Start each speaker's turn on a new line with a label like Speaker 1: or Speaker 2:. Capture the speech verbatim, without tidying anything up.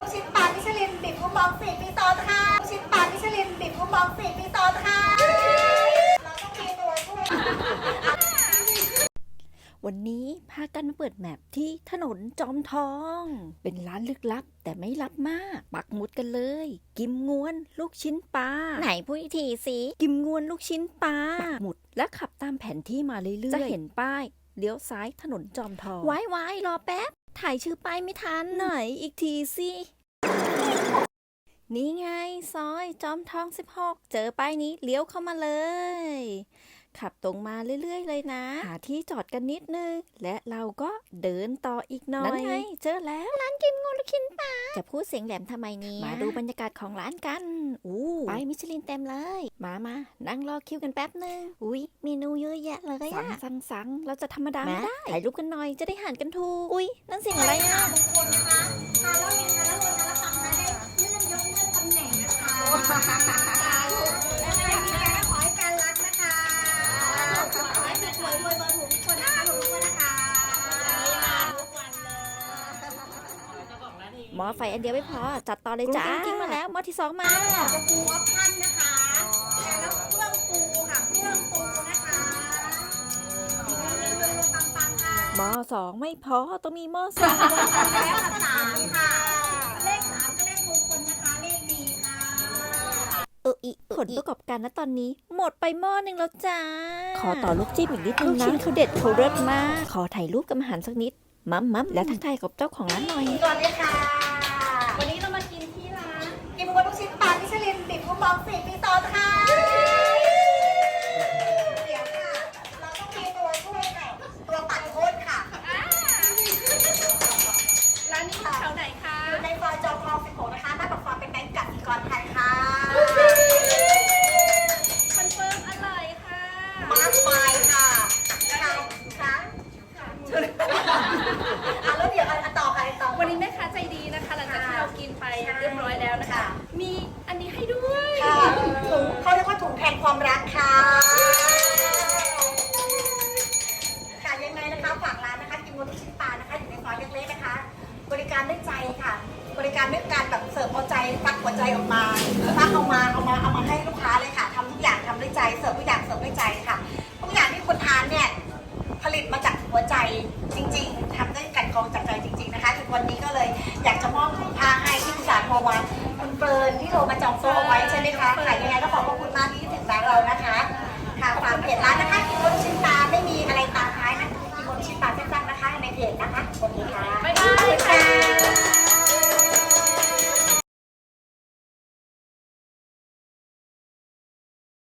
Speaker 1: ลูกชิ้นปลามิชลินบิบมุมมองสี่ปีซ้อนค่ะลูกชิ้นปลามิชลินบิบมุมมองสี่ปีซ้อนค่ะเราต้องมีตัวช่วย
Speaker 2: วันนี้พากันมาเปิดแมปที่ถนนจอมทอง เป็นร้านลึกลับแต่ไม่ลับมากปักหมุดกันเลย กิมงวนลูกชิ้นปลาไหนพูดอีกทีสิกิมงวนลูกชิ้นปลาปักหมุดและขับตามแผนที่มาเรื่อยๆจะเห็นป้ายเลี้ยวซ้ายถนนจอมทองไว้ไว้รอแป๊บถ่ายชื่อป้ายไม่ทันไหนอีกทีสินี่ไงซอยจอมทองสิบหกเจอป้ายนี้เลี้ยวเข้ามาเลยขับตรงมาเรื่อยๆเลยนะหาที่จอดกันนิดนึงและเราก็เดินต่ออีกหน่อยนั่นไงเจอแล้วร้านกิมงวนลูกชิ้นปลาจะพูดเสียงแหลมทำไมเนี่ยมาดูบรรยากาศของร้านกันอู้ป้ายมิชลินเต็มเลยมามานั่งรอคิวกันแป๊บนึงอุ้ยเมนูเยอะแยะเลยอะสั่งสั่งสั่งเราจะธรรมดาไม่ได้ถ่ายรูปกันหน่อยจะได้หันกันถูกอุ้ยนั่นเสียงอะไรอะ
Speaker 1: มงคลนะคะทานแล้วเรียนทานแล้วรวยทานแล้วปังนะได้เลื่อนยศเลื่อนตำแหน่งนะคะและในนี้ขอให้การรักนะคะขอให้มีรวยรวยเบอร์ถูกทุกคนนะคะถูกทุกคนนะคะทุกวันเลย
Speaker 2: หม้อไฟอันเดียวไม่พอจัดต่อเลยจ้าทิ้งมาแล้วหม้อที่สองมา
Speaker 1: จะปูออปชั่นนะคะแล้วเครื่องปูค่ะเครื่องปูนะคะรวยรวยปังปังค่ะ
Speaker 2: หม้อสองไม่พอต้องมีหม้อสาม
Speaker 1: แล้วค่ะสามค่ะเลขสามก็เลขมงคลนะคะเลขดีค่ะ
Speaker 2: เอออีผลประกอบการนะตอนนี้หมดไปหม้อหนึ่งแล้วจ้าขอต่อลูกจิ้มอีกนิดนึงนะลูกชิ้นเขาเด็ดเขาเลิศมากขอถ่ายรูปกับอาหารสักนิดมัมมัมและทักทายกับเจ้าของร้านหน่อย
Speaker 1: สวัสดีค่ะวันนี้เรามากินที่ร้านกิมงวนลูกชิ้นปลามิชลินบิบมุมมองสี่ปีซ้อนค่ะเดี๋ยวค่ะเราต้องมีตัวช่วยค่ะตัวปัดโทษค่ะ
Speaker 3: ร้านนี้อยู่แถวไหนคะ
Speaker 1: อยู่ในซอยจอมทองสิบหกนะคะหน้าปากซอยเป็นแบงก์กสิกรไทยค่ะ
Speaker 3: คอนเฟิร์มอร่อยค่ะ
Speaker 1: มากมายค่ะค่ะค่ะอ่ะแล้วเดี๋ยวอันต่อไปต่อ
Speaker 3: วันนี้แม่ค้าใจดีนะคะ หลังจากที่เรากินไปเรียบร้อยแล้วนะคะ มีอันนี้ให้ด้วย
Speaker 1: ค่ะถุงเขาเรียกว่าถุงแทนความรักค่ะค่ะยังไงนะคะฝากร้านนะคะกิมงวนลูกชิ้นปลานะคะอยู่ในซอยเล็กๆนะคะ บริการด้วยใจค่ะ บริการด้วยการแบบเสิร์ฟเอาใจฟักหัวใจออกมาฟักเอามาเอามาเอามาให้ลูกค้าเลยค่ะทำทุกอย่างทำด้วยใจเสิร์ฟทุกอย่างเสิร์ฟด้วยใจค่ะทุกอย่างที่คุณทานเนี่ยผลิตมาจากหัวใจจริงๆทำด้วยกันกรองจากใจจริงๆนะคะถึงวันนี้ก็เลยอยากจะมอบถุงผ้าให้ที่อุตสาหโทรมาคุณเฟิร์นที่โทรมาจองโต๊ะเอาไว้ใช่ไหมคะค่ะ